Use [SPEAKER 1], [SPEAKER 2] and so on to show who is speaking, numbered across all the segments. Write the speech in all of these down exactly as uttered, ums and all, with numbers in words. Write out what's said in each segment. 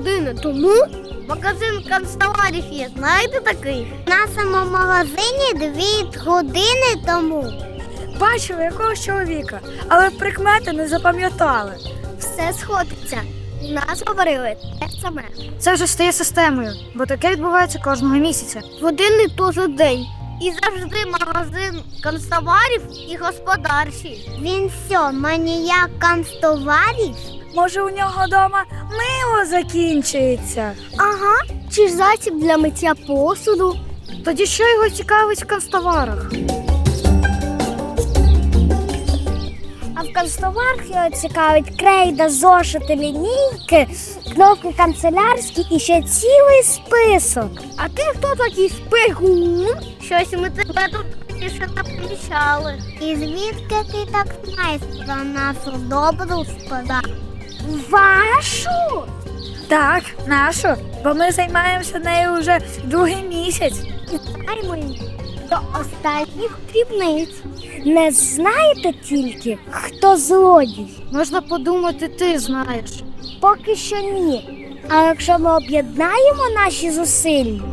[SPEAKER 1] години тому магазин канцтоварів є. Знаєте такий?
[SPEAKER 2] В нашому магазині дві години тому.
[SPEAKER 3] Бачили якогось чоловіка, але прикмети не запам'ятали.
[SPEAKER 1] Все сходиться. У нас говорили те саме.
[SPEAKER 3] Це вже стає системою, бо таке відбувається кожного місяця.
[SPEAKER 1] Години то за день. І завжди магазин канцтоварів і господарчий.
[SPEAKER 2] Він що, маніяк канцтоварів?
[SPEAKER 3] Може, у нього вдома мило закінчується?
[SPEAKER 1] Ага, чи ж засіб для миття посуду.
[SPEAKER 3] Тоді що його цікавить в канцтоварах?
[SPEAKER 2] А в канцтоварах його цікавить крейда, зошити, лінійки, кнопки канцелярські і ще цілий список.
[SPEAKER 1] А ти хто такий спигун? Щось ми тебе тут більше не помічали.
[SPEAKER 2] І звідки ти так знаєш про нашу добру сподарку?
[SPEAKER 1] Вашу?
[SPEAKER 3] Так, нашу, бо ми займаємося нею вже другий місяць.
[SPEAKER 2] І знаємо її до останніх дрібниць. Не знаєте тільки, хто злодій?
[SPEAKER 3] Можна подумати, ти знаєш.
[SPEAKER 2] Поки що ні. А якщо ми об'єднаємо наші зусилля?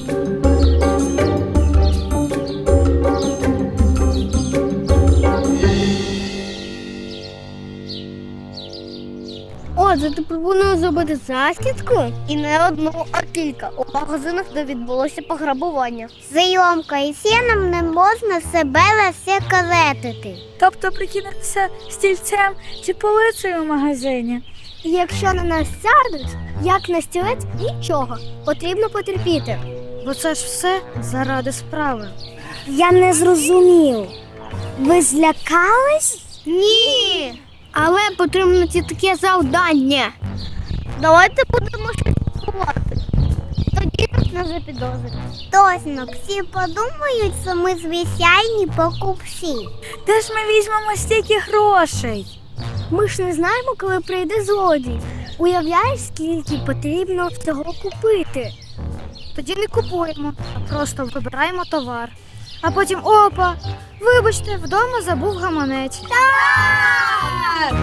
[SPEAKER 1] Отже, ти пропонуєш зробити засідку? І не одну, а кілька. У магазинах, де відбулося пограбування.
[SPEAKER 2] Зйомка і сіном не можна себе засекретити.
[SPEAKER 3] Тобто прикинутися стільцем чи полицею в магазині.
[SPEAKER 1] І якщо на нас сядуть, як на стілець, нічого. Потрібно потерпіти.
[SPEAKER 3] Бо це ж все заради справи.
[SPEAKER 2] Я не зрозумів. Ви злякались?
[SPEAKER 1] Ні! Але потрібно ті таке завдання. Давайте будемо щось ховати. Тоді нас не запідозрять.
[SPEAKER 2] Точно, всі подумають, що ми звичайні покупці.
[SPEAKER 3] Де ж ми візьмемо стільки грошей?
[SPEAKER 1] Ми ж не знаємо, коли прийде злодій. Уявляєш, скільки потрібно всього купити.
[SPEAKER 3] Тоді не купуємо, а просто вибираємо товар. А потім опа! Вибачте, вдома забув гаманець.
[SPEAKER 1] Так!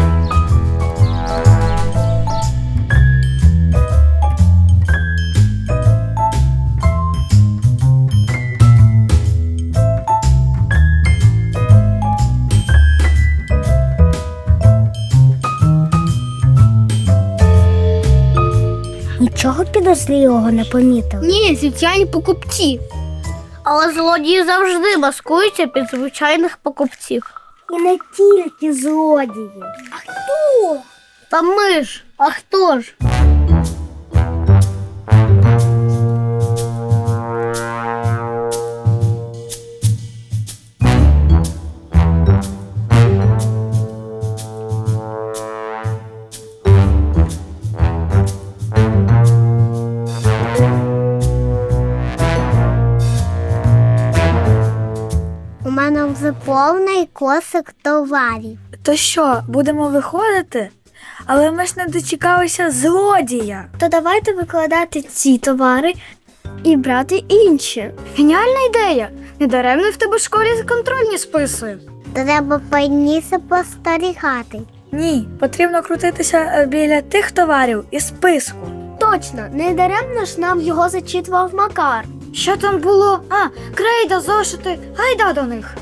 [SPEAKER 2] Нічого підозрілого не помітили.
[SPEAKER 1] Ні, звичайні покупці. Але злодії завжди маскуються під звичайних покупців.
[SPEAKER 2] І не тільки злодії.
[SPEAKER 1] А хто? Та ми ж. А хто ж?
[SPEAKER 2] У мене вже повний кошик товарів.
[SPEAKER 3] То що, будемо виходити? Але ми ж не дочекалися злодія.
[SPEAKER 1] То давайте викладати ці товари і брати інші.
[SPEAKER 3] Геніальна ідея! Недаремно в тебе в школі контрольні списи.
[SPEAKER 2] Треба пильніше спостерігати.
[SPEAKER 3] Ні, потрібно крутитися біля тих товарів із списку.
[SPEAKER 1] Точно, не даремно ж нам його зачитував Макар.
[SPEAKER 3] Що там було? А, крейда, зошити, гайда до них.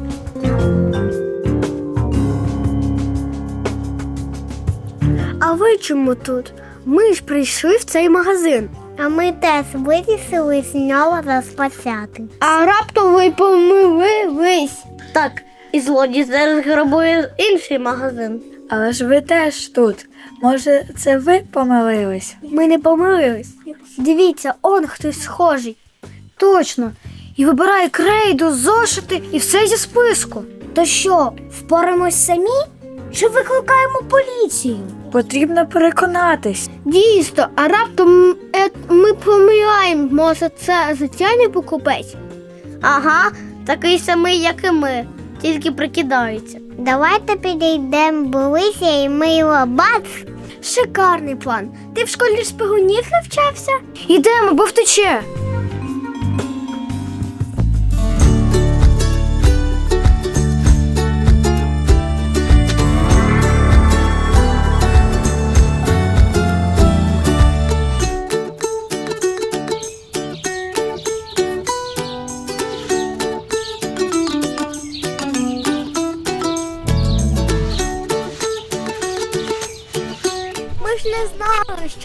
[SPEAKER 1] А ви чому тут? Ми ж прийшли в цей магазин.
[SPEAKER 2] А ми теж вирішили з нього розпочати.
[SPEAKER 1] А раптом ви помилились. Так, і злодій зараз грабує інший магазин.
[SPEAKER 3] Але ж ви теж тут. Може, це ви помилились?
[SPEAKER 1] Ми не помилились. Дивіться, он хтось схожий.
[SPEAKER 3] Точно. І вибирає крейду, зошити і все зі списку.
[SPEAKER 2] То що, впораємось самі? Чи викликаємо поліцію?
[SPEAKER 3] Потрібно переконатись.
[SPEAKER 1] Дійсно, а раптом е, ми помиляємо, може це звичайний покупець? Ага, такий самий, як і ми, тільки прикидається.
[SPEAKER 2] Давайте підійдемо ближче і ми його бац.
[SPEAKER 1] Шикарний план. Ти в школі шпигунів навчався?
[SPEAKER 3] Ідемо, бо втече.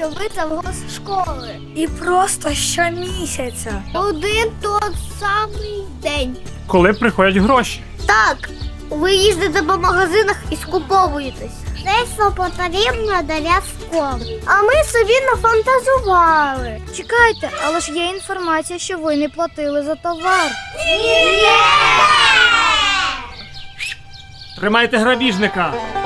[SPEAKER 2] що ви завгоз школи.
[SPEAKER 3] І просто щомісяця.
[SPEAKER 1] Один той самий день.
[SPEAKER 4] Коли приходять гроші.
[SPEAKER 1] Так, ви їздите по магазинах і скуповуєтесь.
[SPEAKER 2] Це що потрібно для школи.
[SPEAKER 1] А ми собі нафантазували.
[SPEAKER 3] Чекайте, але ж є інформація, що ви не платили за товар.
[SPEAKER 4] Тримайте грабіжника!